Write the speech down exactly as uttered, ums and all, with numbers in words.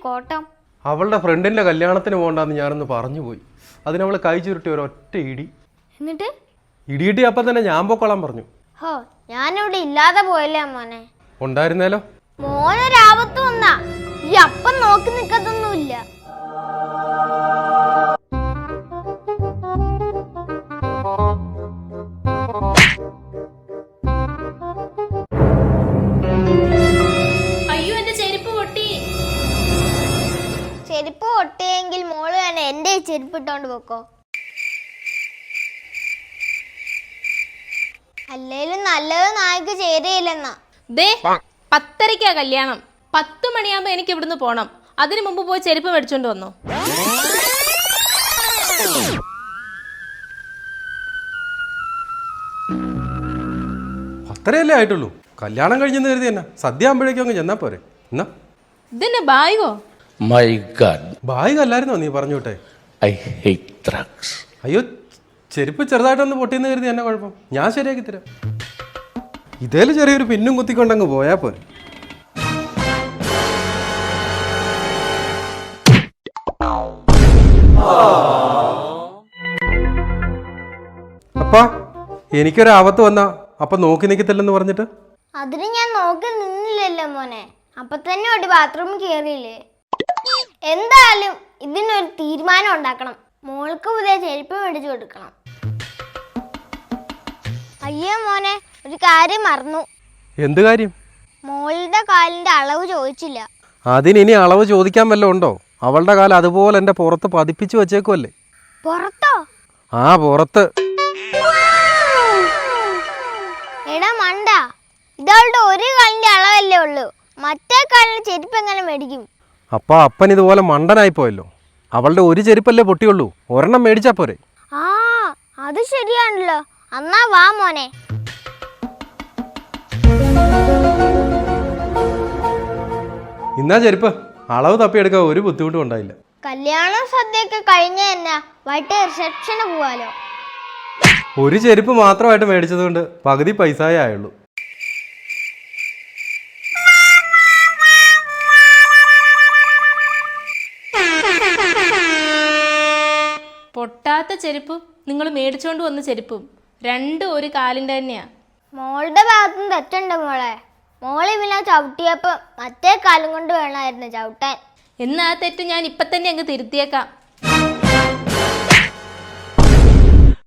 കോട്ടം? അവളുടെ ഫ്രണ്ടിന്റെ കല്യാണത്തിന് പോകണ്ടെന്ന് ഞാനൊന്ന് പറഞ്ഞു പോയി. അതിന് അവള് കൈ ചുരുട്ടി ഒരൊറ്റ ഇടി. എന്നിട്ട് ഇടിയിട്ടി അപ്പം തന്നെ ഞാൻ പൊക്കോളാൻ പറഞ്ഞു. ഹോ, ഞാനിവിടെ ഇല്ലാതെ പോയല്ലേ മോനെ. ഉണ്ടായിരുന്നേലോ. മോനൊരാപത്ത് വന്നാ ഈ അപ്പം നോക്കി നിക്കത്തൊന്നുമില്ല. അയ്യോ, എന്റെ ചെരുപ്പ് പൊട്ടി. ചെരുപ്പ് പൊട്ടിയെങ്കിൽ മോള് തന്നെ എന്റെ ചെരുപ്പ് ഇട്ടോണ്ട് പോക്കോ. അല്ലേലും നല്ലത് നായ്ക്ക് ചേരയില്ലെന്നാ. ദേ, പത്തരയ്ക്കാ കല്യാണം. പത്ത് മണിയാകുമ്പോ എനിക്ക് ഇവിടുന്ന് പോണം. അതിനു മുമ്പ് പോയി ചെരുപ്പ് മേടിച്ചോണ്ട് വന്നു. പത്തരയല്ലേ ആയിട്ടുള്ളൂ. കല്യാണം കഴിഞ്ഞെന്ന് കരുതി തന്നെ സദ്യ ആകുമ്പോഴേക്കും അങ്ങ് ചെന്നാ പോരെ. എന്നാ ഇതെന്നെ ബാഗോ? My God. ബാഗ് അല്ലായിരുന്നോ നീ പറഞ്ഞു വിട്ടെ? I hate drugs. അയ്യോ, ചെരുപ്പ് ചെറുതായിട്ടൊന്ന് പൊട്ടിയെന്ന് കരുതി എന്നെ കുഴപ്പം. ഞാൻ ശരിയാക്കി തരാം. ഇതേല് ചെറിയൊരു പിന്നും കുത്തിക്കൊണ്ടങ്ങ് പോയാ പോരെ. അപ്പാ, എനിക്കൊരാപത്ത് വന്നാ അപ്പൊ നോക്കി നിൽക്കത്തില്ലെന്ന് പറഞ്ഞിട്ട്? അതിന് ഞാൻ നോക്കി നിന്നില്ലല്ലോ മോനെ. അപ്പൊ തന്നെ ഒരു ബാത്റൂമിൽ കയറിയില്ലേ. എന്തായാലും ഇതിനൊരു തീരുമാനം ഉണ്ടാക്കണം. മോൾക്ക് പുതിയ ചെരുപ്പ് മേടിച്ചു കൊടുക്കണം. അയ്യോ മോനെ, ഒരു കാര്യം മറന്നു. എന്ത് കാര്യം? മോളുടെ കാലിന്റെ അളവ് ചോദിച്ചില്ല. അതിനി അളവ് ചോദിക്കാൻ വല്ലതും ഉണ്ടോ? അവളുടെ കാലം അതുപോലെ എന്റെ പുറത്ത് പതിപ്പിച്ചു വെച്ചേക്കുമല്ലേ. പുറത്തോ? ആ, പുറത്ത്. എടാ മണ്ട, ഇതവളുടെ ഒരു കാലിന്റെ അളവല്ലേ ഉള്ളൂ. മറ്റേ കാലിന്റെ ചെരുപ്പ് എങ്ങനെ മേടിക്കും? അപ്പ അപ്പൻ ഇതുപോലെ മണ്ടനായി പോയല്ലോ. അവളുടെ ഒരു ചെരുപ്പല്ലേ പൊട്ടിയുള്ളൂ, ഒരെണ്ണം മേടിച്ചാ പോരെ. ആ, അത് ശരിയാണല്ലോ. എന്നാ വാ മോനെ. ഇന്നാ ചെരുപ്പ്. അളവ് തപ്പിയെടുക്കാൻ ഒരു ബുദ്ധിമുട്ടും ഉണ്ടായില്ല. കല്യാണം സദ്യയൊക്കെ കഴിഞ്ഞ തന്നെ വൈകിട്ട് റിസപ്ഷന് പോവാലോ. ഒരു ചെരുപ്പ് മാത്രമായിട്ട് മേടിച്ചത് കൊണ്ട് പകുതി പൈസയേ ആയുള്ളൂ. പൊട്ടാത്ത ചെരുപ്പും നിങ്ങൾ മേടിച്ചോണ്ട് വന്ന ചെരുപ്പും രണ്ടും ഒരു കാലിന്റെ തന്നെയാ. മോളുടെ ഭാഗത്തും തെറ്റുണ്ട് മോളെ. മോള് പിന്നെ ചവിട്ടിയപ്പോ മറ്റേ കാലം കൊണ്ട് വേണമായിരുന്നു ചവിട്ടാൻ. എന്നാ തെറ്റ് ഞാൻ ഇപ്പൊ തന്നെ അങ്ങ് തിരുത്തിയേക്കാം.